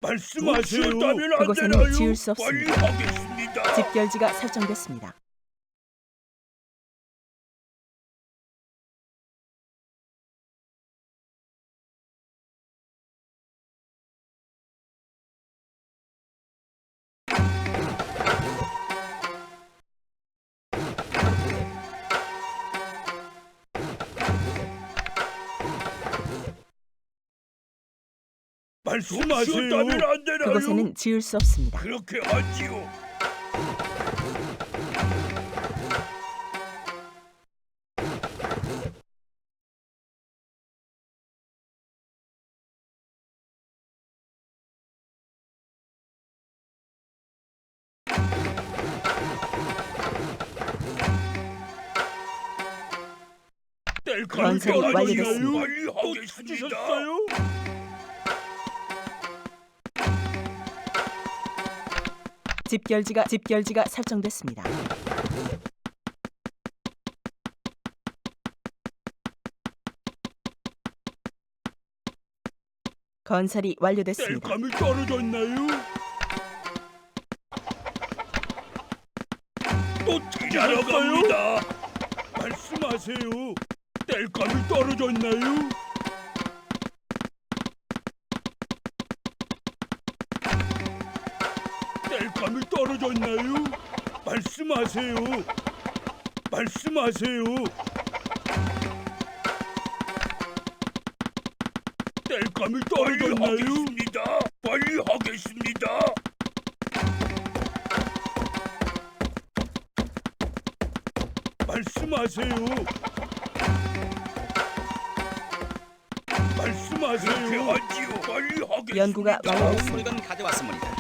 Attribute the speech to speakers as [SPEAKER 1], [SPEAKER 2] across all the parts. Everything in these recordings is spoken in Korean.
[SPEAKER 1] 말씀하세요.
[SPEAKER 2] 그곳에는 지을 수
[SPEAKER 1] 빨리
[SPEAKER 2] 없습니다.
[SPEAKER 1] 하겠습니다.
[SPEAKER 2] 집결지가 설정됐습니다.
[SPEAKER 1] 말씀하세요. 안 되나요?
[SPEAKER 2] 그곳에는 지을 수 없습니다.
[SPEAKER 1] 그렇게 하지요.
[SPEAKER 2] 건설이 완료됐습니다.
[SPEAKER 1] 빨리 하겠습니다.
[SPEAKER 2] 집결지가 설정됐습니다. 건설이 완료됐습니다.
[SPEAKER 1] 뗄감이 떨어졌나요? 또 일하러 갑니다. 말씀하세요. 뗄감이 떨어졌나요? 뗄감이 떨어졌나요? 말씀하세요. 말씀하세요. 뗄감이 떨어졌나요? 빨리 하겠습니다. 말씀하세요. 말씀하세요. 그렇게 하지요. 빨리 하겠습니다.
[SPEAKER 2] 연구가 완료됐습니다.
[SPEAKER 3] 물건 가져왔습니다.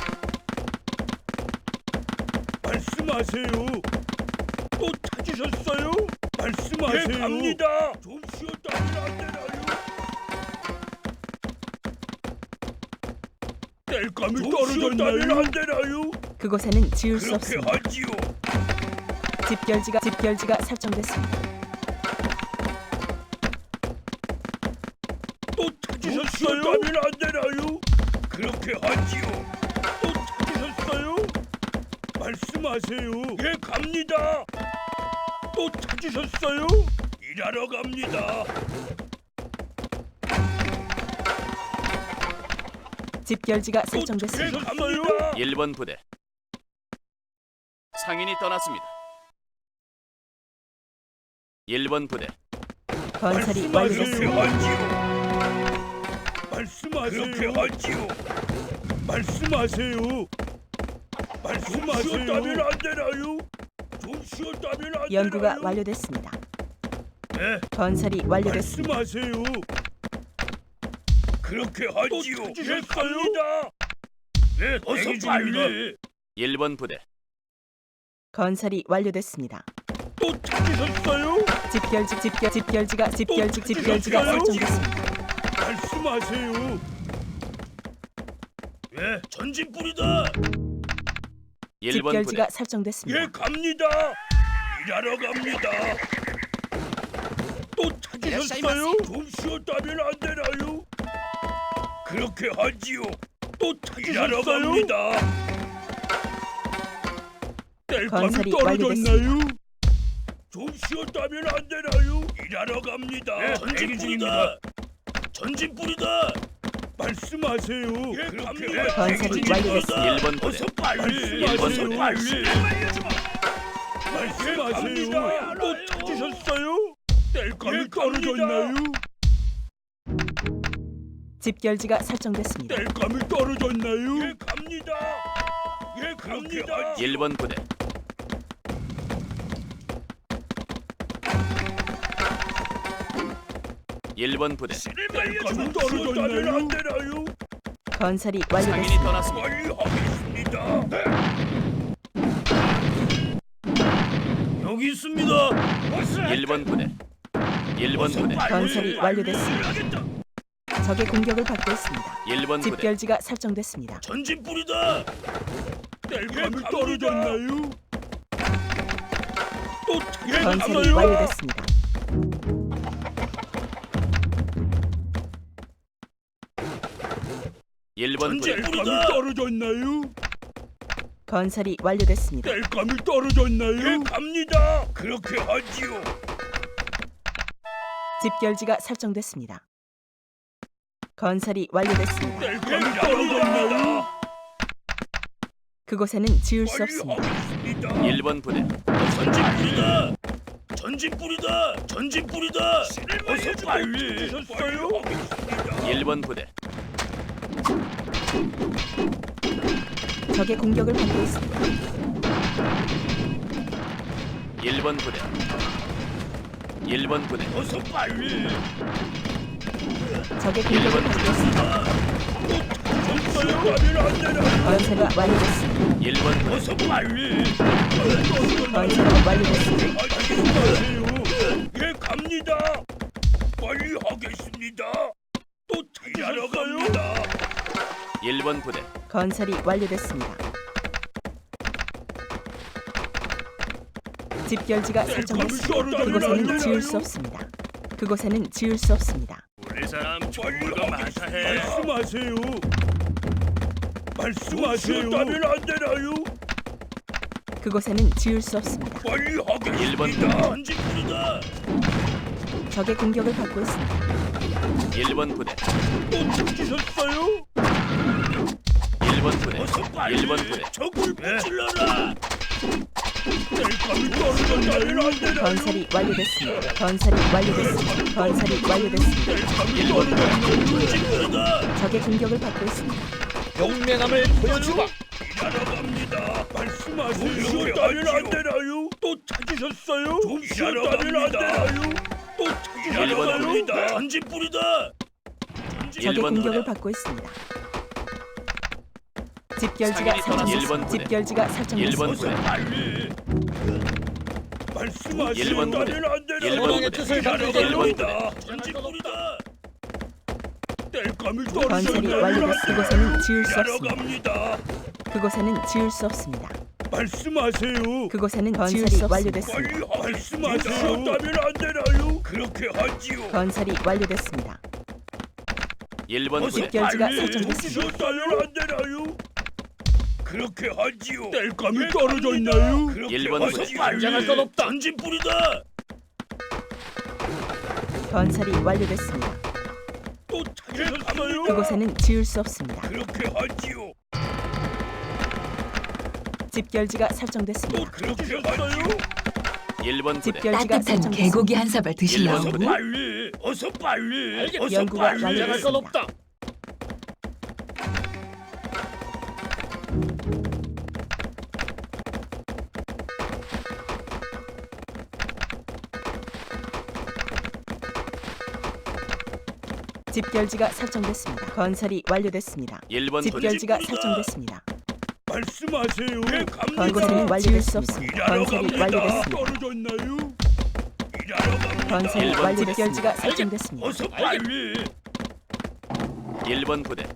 [SPEAKER 1] 말씀하세요. 또 찾으셨어요? 말씀하세요. 네, 갑니다. 좀 쉬었다면 안 되나요? 뗄감이 떨어졌나요? 안 되나요?
[SPEAKER 2] 그곳에는 지을 수
[SPEAKER 1] 그렇게
[SPEAKER 2] 없습니다.
[SPEAKER 1] 하지요.
[SPEAKER 2] 집결지가 설정됐습니다.
[SPEAKER 1] 또 찾으셨어요? 안 되나요? 그렇게 하지요. 또 찾으셨어요? 말씀하세요. 예, 갑니다. 또 찾으셨어요? 일하러 갑니다.
[SPEAKER 2] 집결지가
[SPEAKER 1] 또
[SPEAKER 2] 설정됐습니다.
[SPEAKER 1] 찾으셨어요?
[SPEAKER 3] 1번 부대 상인이 떠났습니다. 1번 부대
[SPEAKER 2] 건설이
[SPEAKER 1] 말씀하세요.
[SPEAKER 2] 완료됐습니다.
[SPEAKER 1] 말씀하세요. 그렇게 하지요. 말씀하세요. 말씀하세요. 쉬었다면 안 되나요? 좀 쉬었다면 안
[SPEAKER 2] 연구가
[SPEAKER 1] 되나요?
[SPEAKER 2] 완료됐습니다.
[SPEAKER 1] 네.
[SPEAKER 2] 건설이 완료됐습니다.
[SPEAKER 1] 말씀하세요. 그렇게 하지요. 예, 갑니다. 네, 어서 빨리.
[SPEAKER 3] 1번 부대
[SPEAKER 2] 건설이 완료됐습니다.
[SPEAKER 1] 또 찾으셨어요?
[SPEAKER 2] 집결지가 설정됐습니다.
[SPEAKER 1] 말씀하세요. 예, 전진 뿌리다.
[SPEAKER 3] 1번 부대
[SPEAKER 2] 집결지가 설정됐습니다.
[SPEAKER 1] 예, 갑니다. 일하러 갑니다. 또 찾으셨어요? 좀 쉬었다면 안 되나요? 그렇게 하지요. 또 찾으셨어요? 갑니다. 뗄감이
[SPEAKER 2] 건설이
[SPEAKER 1] 떨어졌나요? 좀 쉬었다면 안 되나요? 일하러 갑니다. 전진 뿌리다. 전진 뿌리다. 말씀하세요. 예, 갑니다.
[SPEAKER 2] 건설이 완료됐습니다.
[SPEAKER 3] 1번 부대
[SPEAKER 1] 어서 빨리.
[SPEAKER 3] 어서
[SPEAKER 1] 빨리. 말씀하세요. 또 찾으셨어요? 뗄감이 떨어졌나요?
[SPEAKER 2] 집결지가 설정됐습니다.
[SPEAKER 1] 뗄감이 떨어졌나요? 예, 갑니다. 예, 갑니다.
[SPEAKER 3] 1번 부대 1번 부대
[SPEAKER 1] 뗄감이 떨어졌나요? 안 되나요?
[SPEAKER 2] 건설이
[SPEAKER 3] 상인이
[SPEAKER 2] 완료됐습니다.
[SPEAKER 3] 떠났습니다.
[SPEAKER 1] 빨리 하겠습니다. 여기 있습니다.
[SPEAKER 3] 1번 부대 1번 부대
[SPEAKER 2] 건설이 완료됐습니다. 적의 공격을 받고 있습니다.
[SPEAKER 3] 1번 부대
[SPEAKER 2] 집결지가 설정됐습니다.
[SPEAKER 1] 전진 뿌리다. 뗄감이 떨어졌나요? 또
[SPEAKER 2] 건설이 완료됐습니다.
[SPEAKER 3] 1번 부대
[SPEAKER 1] 뗄감이 떨어졌나요?
[SPEAKER 2] 건설이 완료됐습니다.
[SPEAKER 1] 뗄감이 떨어졌나요? 예, 갑니다. 그렇게 하지요.
[SPEAKER 2] 집결지가 설정됐습니다. 건설이 완료됐습니다.
[SPEAKER 1] 뗄감이 떨어졌나요?
[SPEAKER 2] 그곳에는 지을 수 없습니다.
[SPEAKER 1] 하겠습니다.
[SPEAKER 3] 1번 부대
[SPEAKER 1] 전진 뿌리다. 전진 뿌리다. 전진 뿌리다. 어서 빨리. 하셨어요?
[SPEAKER 3] 1번 부대
[SPEAKER 2] 적의 공격을 받고 있습니다.
[SPEAKER 3] 1번 부대 1번 부대
[SPEAKER 1] 어서 빨리.
[SPEAKER 2] 적의 공격을 받고 있습니다.
[SPEAKER 1] 전사요 가면 안 되나요?
[SPEAKER 2] 건설이 완료됐습니다.
[SPEAKER 3] 1번 부대
[SPEAKER 1] 어서 빨리.
[SPEAKER 2] 건설이 완료됐습니다.
[SPEAKER 1] 하세요. 예, 갑니다. 빨리 하겠습니다. 또 찾으러 갑니다.
[SPEAKER 3] 1번 부대
[SPEAKER 2] 건설이 완료됐습니다. 집결지가 설정됐습니다. 그곳에는 지을 수 없습니다. 그곳에는 지을 수 없습니다.
[SPEAKER 1] 우리 사람 정보가 많다 해. 말씀하세요. 말씀하세요. 따면 안 되나요?
[SPEAKER 2] 그곳에는 지을 수 없습니다.
[SPEAKER 1] 빨리 하겠습니다.
[SPEAKER 3] 1번.
[SPEAKER 1] 전진 뿌리다.
[SPEAKER 2] 적의 공격을 받고 있습니다.
[SPEAKER 3] 1번 부대
[SPEAKER 1] 또 찾으셨어요?
[SPEAKER 3] 1번 부대
[SPEAKER 1] 어서 빨리.
[SPEAKER 3] 1번 부대
[SPEAKER 1] 적을 붙일러라. 뗄감이 떨어졌다면 안 되나요?
[SPEAKER 2] 건설이 완료됐습니다. 건설이 완료됐습니다. 건설이 완료됐습니다.
[SPEAKER 1] 뗄감이 떨어졌다면 전진 뿌리다.
[SPEAKER 2] 적의 공격을 받고 있습니다.
[SPEAKER 1] 용맹함을 보여주마. 일하러 갑니다. 말씀하세요. 좀 쉬었다면 안 되나요? 또 찾으셨어요? 좀 쉬었다면 안 되나요? 또
[SPEAKER 3] 일본
[SPEAKER 1] 찾으셨어요?
[SPEAKER 3] 뿌리다.
[SPEAKER 1] 전진 뿌리다.
[SPEAKER 2] 적의
[SPEAKER 3] 1번
[SPEAKER 2] 공격을
[SPEAKER 3] 부대
[SPEAKER 2] 받고 있습니다. 집결지가
[SPEAKER 3] 상인이 떠난 일본
[SPEAKER 2] 설정됐습니다.
[SPEAKER 3] 부대.
[SPEAKER 2] 집결지가 설정됐습니다.
[SPEAKER 3] 1번
[SPEAKER 1] 어서
[SPEAKER 3] 부대
[SPEAKER 1] 빨리. 말씀하세요.
[SPEAKER 3] 일본 부대.
[SPEAKER 1] 따면 안 되나요?
[SPEAKER 3] 일본 부대.
[SPEAKER 1] 일하러
[SPEAKER 3] 일본
[SPEAKER 1] 갑니다. 전진 뿌리다. 뗄감이
[SPEAKER 2] 건설이
[SPEAKER 1] 떨어졌다면
[SPEAKER 2] 완료됐습니다. 그곳에는 지을 수
[SPEAKER 1] 일하러
[SPEAKER 2] 없습니다.
[SPEAKER 1] 갑니다.
[SPEAKER 2] 그곳에는 지을 수 없습니다.
[SPEAKER 1] 말씀하세요.
[SPEAKER 2] 그곳에는 건설이
[SPEAKER 1] 빨리
[SPEAKER 2] 완료됐습니다.
[SPEAKER 1] 말씀하세요. 따면 안 되나요? 그렇게 하지요.
[SPEAKER 2] 건설이 완료됐습니다.
[SPEAKER 3] 1번 부대
[SPEAKER 2] 집결지가 설정됐습니다.
[SPEAKER 1] 따면 안 되나요? 그렇게 하지요. 뗄감이 떨어져 있나요?
[SPEAKER 3] 일본
[SPEAKER 1] 어서
[SPEAKER 3] 부대.
[SPEAKER 1] 긴장할 건 없다. 전진 뿌리다.
[SPEAKER 2] 건설이 완료됐습니다.
[SPEAKER 1] 또 찾으셨어요?
[SPEAKER 2] 그곳에는 지을 수 없습니다.
[SPEAKER 1] 그렇게 하지요.
[SPEAKER 2] 집결지가
[SPEAKER 1] 또
[SPEAKER 2] 설정됐습니다.
[SPEAKER 1] 그렇게 하지요.
[SPEAKER 3] 1번 부대
[SPEAKER 2] 집결지가
[SPEAKER 4] 따뜻한
[SPEAKER 2] 설정됐습니다.
[SPEAKER 4] 개고기 한 사발
[SPEAKER 3] 일본
[SPEAKER 4] 드시려고?
[SPEAKER 3] 부대.
[SPEAKER 1] 빨리. 어서 빨리. 어서
[SPEAKER 2] 연구가
[SPEAKER 1] 빨리.
[SPEAKER 2] 완료됐습니다. 집결지가 설정됐습니다. 건설이 완료됐습니다.
[SPEAKER 3] 1번 부대
[SPEAKER 2] 집결지가
[SPEAKER 1] 뿌리다.
[SPEAKER 2] 설정됐습니다.
[SPEAKER 1] 말씀하세요. 예, 갑니다.
[SPEAKER 2] 그곳에는 완료될 수 없습니다.
[SPEAKER 1] 일하러
[SPEAKER 2] 건설이
[SPEAKER 1] 갑니다.
[SPEAKER 2] 완료됐습니다.
[SPEAKER 1] 떨어졌나요? 일하러 갑니다.
[SPEAKER 2] 건설이
[SPEAKER 3] 일본
[SPEAKER 2] 완료됐습니다. 집결지가 설정됐습니다.
[SPEAKER 1] 어서 빨리.
[SPEAKER 3] 1번 부대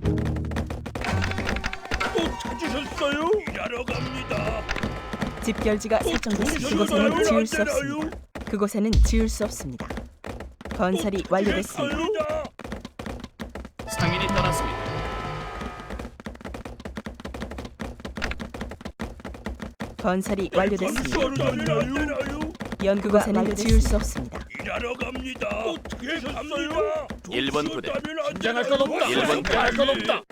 [SPEAKER 1] 또 찾으셨어요? 일하러 갑니다.
[SPEAKER 2] 집결지가 설정됐습니다. 그곳에는 지을 수 없습니다. 그곳에는 지을 수 없습니다. 건설이 완료됐습니다.
[SPEAKER 3] 상인이 떠났습니다.
[SPEAKER 2] 건설이 완료됐습니다.
[SPEAKER 1] 완료됐습니다.
[SPEAKER 2] 연구곳에는 지을 수 없습니다.
[SPEAKER 1] 일하러 갑니다. 또 찾으셨어요?
[SPEAKER 3] 1번 부대
[SPEAKER 1] 긴장할 건 없다.
[SPEAKER 3] 1번 부대
[SPEAKER 1] 긴장할 건 없다.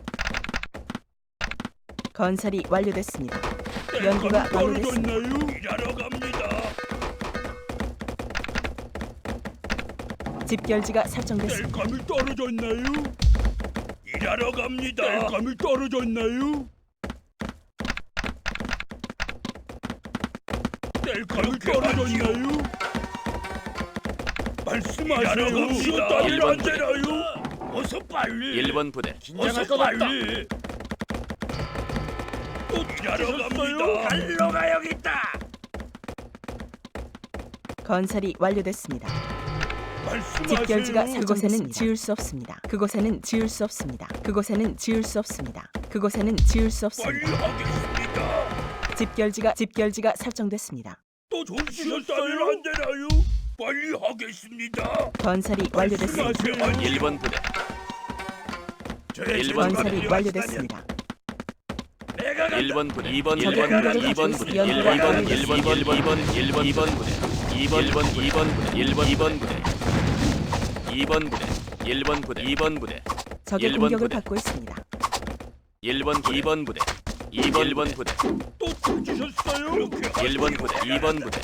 [SPEAKER 2] 건설이 완료됐습니다. 연구가 완료됐습니다.
[SPEAKER 1] 떨어졌나요? 일하러 갑니다.
[SPEAKER 2] 집결지가 설정됐습니다.
[SPEAKER 1] 뗄감이 떨어졌나요? 일하러 갑니다. 뗄감이 떨어졌나요? 뗄감이 떨어졌나요? 말씀하세요. 쉬었다면 안
[SPEAKER 3] 일본 부대.
[SPEAKER 1] 되나요? 어서 빨리.
[SPEAKER 3] 1번 부대
[SPEAKER 1] 어서 빨리. 또 일하러 갑니다. 달러 가야겠다.
[SPEAKER 2] 건설이 완료됐습니다.
[SPEAKER 1] 말씀하세요.
[SPEAKER 2] 집결지가 그곳에는 지을 수 없습니다. 그곳에는 지을 수 없습니다. 그곳에는 지을 수 없습니다. 그곳에는 지을 수
[SPEAKER 1] 빨리
[SPEAKER 2] 없습니다.
[SPEAKER 1] 하겠습니다.
[SPEAKER 2] 집결지가 설정됐습니다.
[SPEAKER 1] 또 좀 쉬었다면 안 되나요? 빨리 하겠습니다.
[SPEAKER 2] 건설이 완료됐습니다.
[SPEAKER 1] 말씀하세요.
[SPEAKER 3] 1번 부대
[SPEAKER 2] 건설이 완료됐습니다.
[SPEAKER 3] 1번 부대 2번
[SPEAKER 2] 적의
[SPEAKER 3] 1번
[SPEAKER 2] 공격을
[SPEAKER 3] 2번
[SPEAKER 2] 받고
[SPEAKER 3] 부대
[SPEAKER 2] 있습니다.
[SPEAKER 3] 1번 2번 부대 2번 부대 2번 부대 2번 부대 1번 부대 2번 부대
[SPEAKER 2] 적의
[SPEAKER 3] 1번
[SPEAKER 2] 공격을
[SPEAKER 3] 부대.
[SPEAKER 2] 받고 있습니다.
[SPEAKER 3] 1번 2번 부대 1번 부대
[SPEAKER 1] 또 찾으셨어요?
[SPEAKER 3] 1번 부대 2번 부대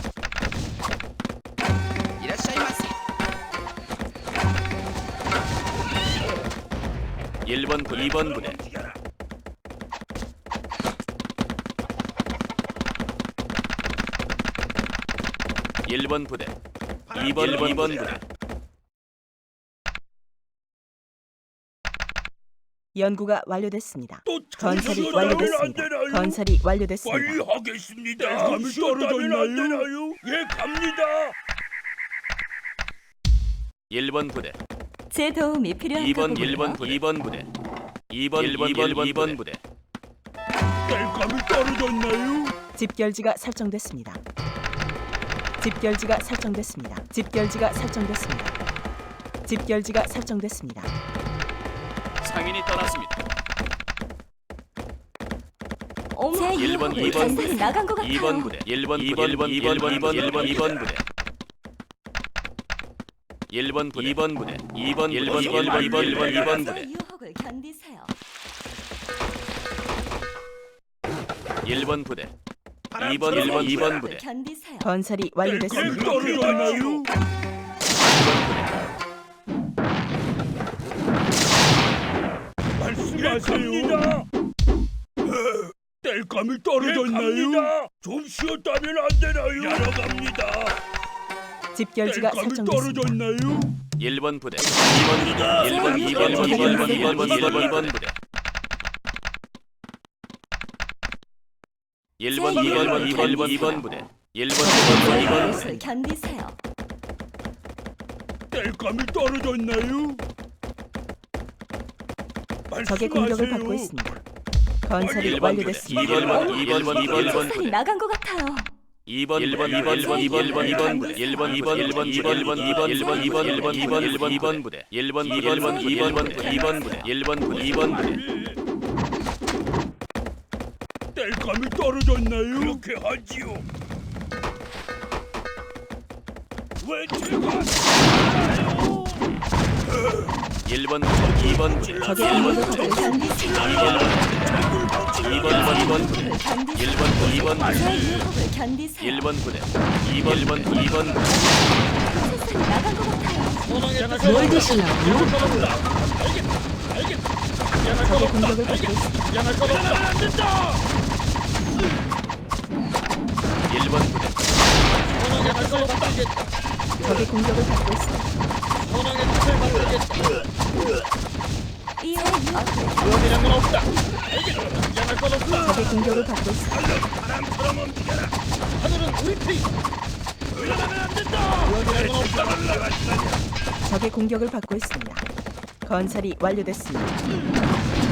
[SPEAKER 3] 1번 부대 2번 부대 1번 부대 2번 부대
[SPEAKER 2] 연구가 완료됐습니다.
[SPEAKER 1] 또
[SPEAKER 2] 건설이
[SPEAKER 1] 찾으셨어요?
[SPEAKER 2] 완료됐습니다.
[SPEAKER 1] 안 되나요?
[SPEAKER 2] 건설이 완료됐습니다.
[SPEAKER 1] 빨리 하겠습니다. 감이 떨어졌나요? 안 되나요? 예, 갑니다.
[SPEAKER 3] 1번 부대
[SPEAKER 4] 제 도움이
[SPEAKER 3] 2번
[SPEAKER 4] 필요한가
[SPEAKER 3] 1번 부대 2번 부대 2번 부대
[SPEAKER 1] 땔감이 떨어졌나요?
[SPEAKER 2] 집결지가 설정됐습니다. 집결지가 설정됐습니다. 집결지가 설정됐습니다. 집결지가 설정됐습니다.
[SPEAKER 3] 상인이 떠났습니다.
[SPEAKER 4] 어머, 제
[SPEAKER 3] 1번
[SPEAKER 4] 유혹을
[SPEAKER 3] 2번
[SPEAKER 4] 단단히
[SPEAKER 3] 부대
[SPEAKER 4] 나간 것 같아요.
[SPEAKER 3] 2번 부대 1번 2번 부대 1번 부대 1번 부대 2번 부대 2번
[SPEAKER 4] 제
[SPEAKER 3] 부대
[SPEAKER 4] 유혹을 견디세요.
[SPEAKER 3] 1번 부대 2번 부대
[SPEAKER 4] 견디세요.
[SPEAKER 2] 건설이
[SPEAKER 1] 땔감이
[SPEAKER 2] 완료됐습니다.
[SPEAKER 1] 떨어졌나요?
[SPEAKER 3] 2번 부대
[SPEAKER 1] 말씀하세요. 땔감이 떨어졌나요? 좀 쉬었다면 안 되나요? 야러 갑니다.
[SPEAKER 2] 집결지가
[SPEAKER 1] 땔감이
[SPEAKER 2] 설정됐습니다.
[SPEAKER 1] 떨어졌나요?
[SPEAKER 3] 1번 부대 2번 부대 1번 2번 부대 1번
[SPEAKER 4] 유혹을 견디세요.
[SPEAKER 1] 땔감이 떨어졌나요?
[SPEAKER 2] 적의 공격을 받고
[SPEAKER 1] 말씀하세요.
[SPEAKER 2] 있습니다. 건설이
[SPEAKER 3] 1번 부대
[SPEAKER 2] 완료됐습니다.
[SPEAKER 3] 2번
[SPEAKER 4] 소리
[SPEAKER 3] 부대
[SPEAKER 4] 나간 것 같아요.
[SPEAKER 3] 2번 부대 1번 부대 1번 부대 2번 부대
[SPEAKER 1] 땔감이 떨어졌나요? 그렇게 하지요. 왜 제가 하나요?
[SPEAKER 3] 1번 부대 2번 부대
[SPEAKER 2] 적의 공격을 받고 있습니다.
[SPEAKER 4] 견디세요.
[SPEAKER 3] 2번 부대
[SPEAKER 4] 유혹을 견디세요.
[SPEAKER 3] 1번 부대
[SPEAKER 4] 제 유혹을 견디세요.
[SPEAKER 3] 1번 부대 2번 부대
[SPEAKER 4] 세상이 나간 것 같아요.
[SPEAKER 2] 뭘 드시려고요? 적의 공격을 받고 있습니다.
[SPEAKER 1] 양할 것 없다. 안 된다.
[SPEAKER 3] 1번 부대
[SPEAKER 1] 양할 것 없다.
[SPEAKER 2] 적의 공격을 받고 있습니다.
[SPEAKER 1] 선왕의 뜻을 받들겠다.
[SPEAKER 4] 제 유혹을
[SPEAKER 1] 그러기는 없다. 알겠다. 양할 것 없다.
[SPEAKER 2] 적의 공격을 받고 있습니다.
[SPEAKER 1] 바람처럼 움직여라. 하늘은 우리 피. 물러나면 안 된다. 그러기는 없다.
[SPEAKER 2] 적의 공격을 받고 있습니다. 건설이 완료됐습니다.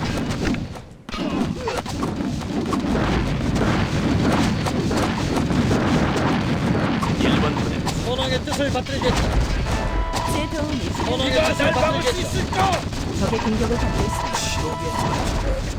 [SPEAKER 1] 선왕의 뜻을 받들겠다.
[SPEAKER 4] 제 도움이
[SPEAKER 1] 선왕의 뜻을 받들 수 있을까?
[SPEAKER 2] 적의 공격을 받고 있습니다.